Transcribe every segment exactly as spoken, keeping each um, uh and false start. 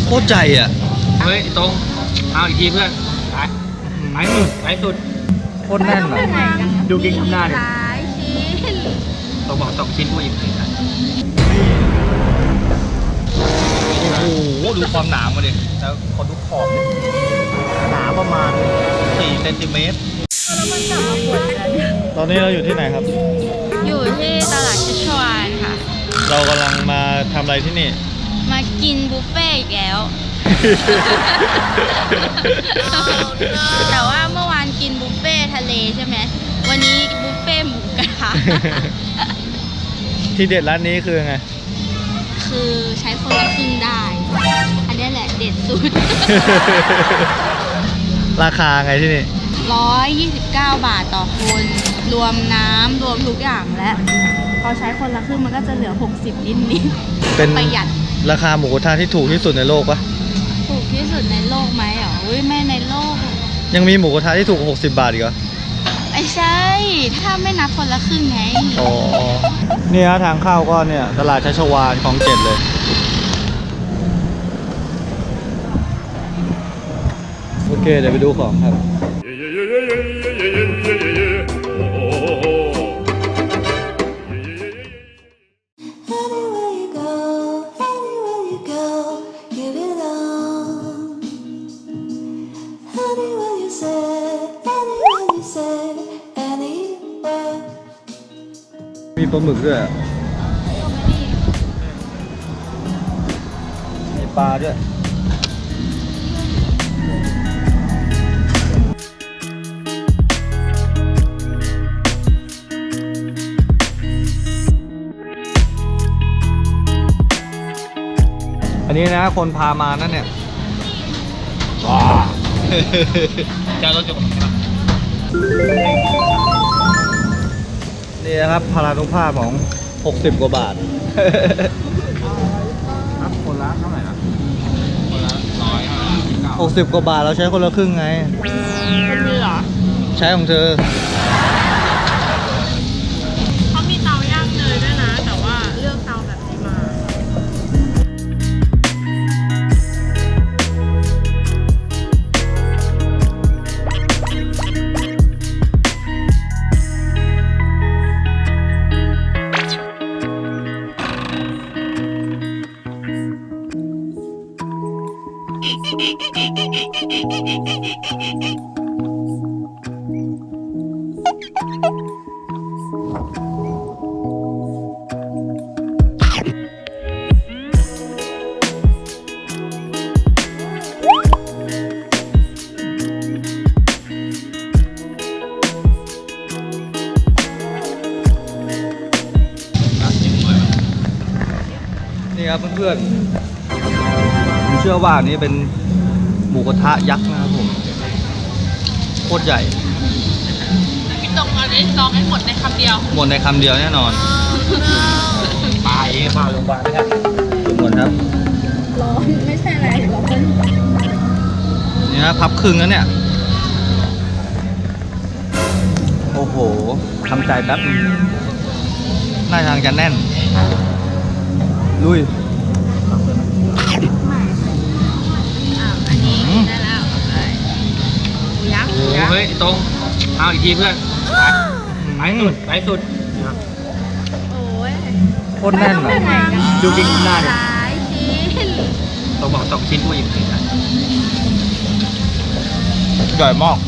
โคตรใจอ่ะเฮ้ยตรงเอาอีกทีเพื่อนไปไปสุดไปสุดโคตรแน่นอ่ะดูกิ๊กทำหน้าดิหลายชิ้นต้องบอกสองชิ้นผู้หญิงสิครับโอ้โหดูความหนามาดิแล้วขอดูขอบหนาประมาณสี่เซนติเมตรตอนนี้เราอยู่ที่ไหนครับอยู่ที่ตลาดชัชวาลค่ะเรากำลังมาทำอะไรที่นี่มากินบุฟเฟ่ต์อีกแล้ว แต่ว่าเมื่อวานกินบุฟเฟ่ต์ทะเลใช่ไหมวันนี้บุฟเฟ่ต์หมูกระทะที่เด็ดร้านนี้คือไงคือใช้คนละครึ่งได้อันนี้แหละเด็ดสุดราคาไงที่นี่ร้อยยี่สิบเก้าบาทต่อคนรวมน้ำรวมทุกอย่างและพอใช้คนละครึ่งมันก็จะเหลือหกสิบนิดนิดเป็นประหยัดราคาหมูกระทะที่ถูกที่สุดในโลกปะถูกที่สุดในโลกไหมอ๋ออุ้ยไม่ในโลกยังมีหมูกระทะที่ถูกหกสิบบาทอีกเหรอไม่ใช่ถ้าไม่นับคนละครึ่งไงอ๋อนี่ฮะทางเข้าก็เนี่ยตลาดชัชวาลของเจ็ดเลยโอเคเดี๋ยวไปดูของครับมีปลาหมึกด้วยมีปลาด้วยอันนี้นะคนพามานั่นเนี่ยว้าเจ้ารถจุกนี่นะครับพลานุภาพของหกสิบกว่าบาทครับคนละเท่าไหร่นะคนละร้อยหกสิบกว่าบาทเราใช้คนละครึ่งไงคนนี้เหรอใช้ของเธอเขามีเตาย่างเนยด้วยนะแต่ว่าเลือกเตาแบบนี้มานี่ครับเพื่อนๆผมเชื่อว่านี้เป็นหมูกระทะยักษ์นะครับผมโคตรใหญ่พี่ตรงอันนี้ลองให้หมดในคำเดียวหมดในคำเดียวแน่นอนไปมาโรงพยาบาลนะครับหมดครับร้อนไม่ใช่อะไรร้อนนี่นะพับครึ่งแล้วเนี่ยโอ้โหทำใจแป๊บหน้าทางจะแน่นลุยอันนี้ได้แล้วยักษ์เฮ้ยตรงเอาอีกทีเพื่อนไปสุดไปสุดโอ้ยโคตรแน่นอ่ะดูกิ๊กทำหน้าดิหลายชิ้นต้องบอกสองชิ้นผู้หญิงสิครับใหญ่มาก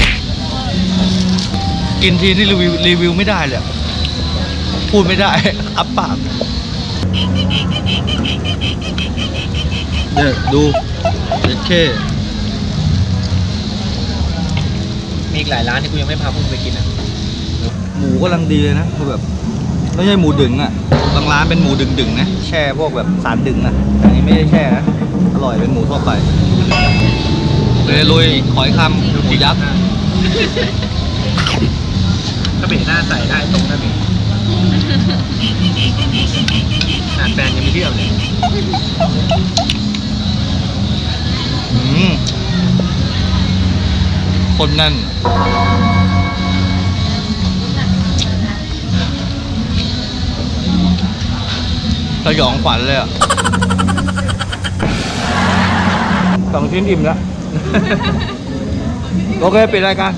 กินทีนี่รีวิวรีวิวไม่ได้เลยพูดไม่ได้อับปากเนี่ยดูเด็ดแค่มีอีกหลายร้านที่กูยังไม่พาพวกมึงไปกินอ่ะหมูกำลังดีเลยนะคือแบบไม่ใช่หมูดึงอ่ะบางร้านเป็นหมูดึงดึงนะแช่พวกแบบสารดึงนะอันนี้ไม่ได้แช่นะอร่อยเป็นหมูทั่วไปเลยลุยขอยคำหมูยักษ์ก็เบะหน้าใส่ได้ตรงนั้นเองหน้าแฟนยังไม่เที่ยวเลยอืมคนนั่นสยองขวัญเลยอ่ะสองชิ้นอิ่มแล้ว โอเคปิดรายการ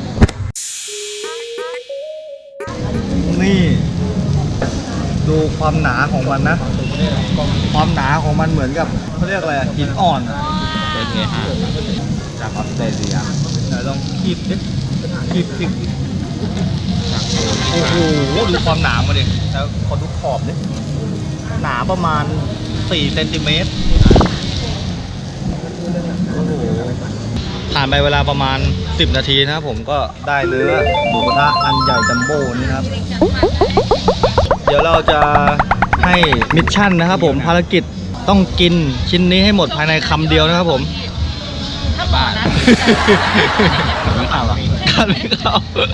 นี่ดูความหนาของมันนะ ความหนาของมันเหมือนกับเขาเรียกอะไรอะหินอ่อนอะเอสเอห้าจากออสเตรเลียไหนลองคีบดิคีบคีบโอ้โหดูความหนามาดิแล้วขอดูขอบดิหนาประมาณสี่เซนติเมตรโอ้โหผ่านไปเวลาประมาณสิบนาทีนะครับผมก็ได้เนื้อหมูกระทะอันใหญ่จัมโบ้นี่ครับ เดี๋ยวเราจะให้มิชชั่นนะครับผมภารกิจต้องกินชิ้นนี้ให้หมดภายในคำเดียวนะครับผมบ้านไม่ข่าวหรอกัดไม่เข้า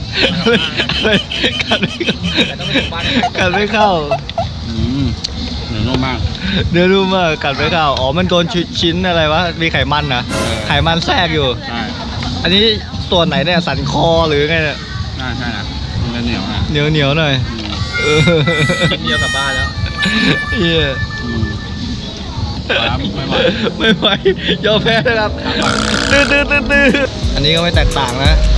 กัดไม่เข้ากัดไม่เข้าอืมเหนือนุ่มมากเดี๋ยวดูมากัดไม่เข้าอ๋อมันโดนชิ้นอะไรวะมีไขมันนะไขมันแทรกอยู่ใช่อันนี้ส่วนไหนเนี่ยสันคอหรือไงเนี่ยใช่ใช่นะมันเหนียวนะเหนียวเหนียวหน่อยเออกินเดียวกลับบ้านแล้วเฮียอืมครับไม่ไหวไม่ไหวยอมแพ้นะครับตื้อตื้อตื้อตื้ออันนี้ก็ไม่แตกต่างนะ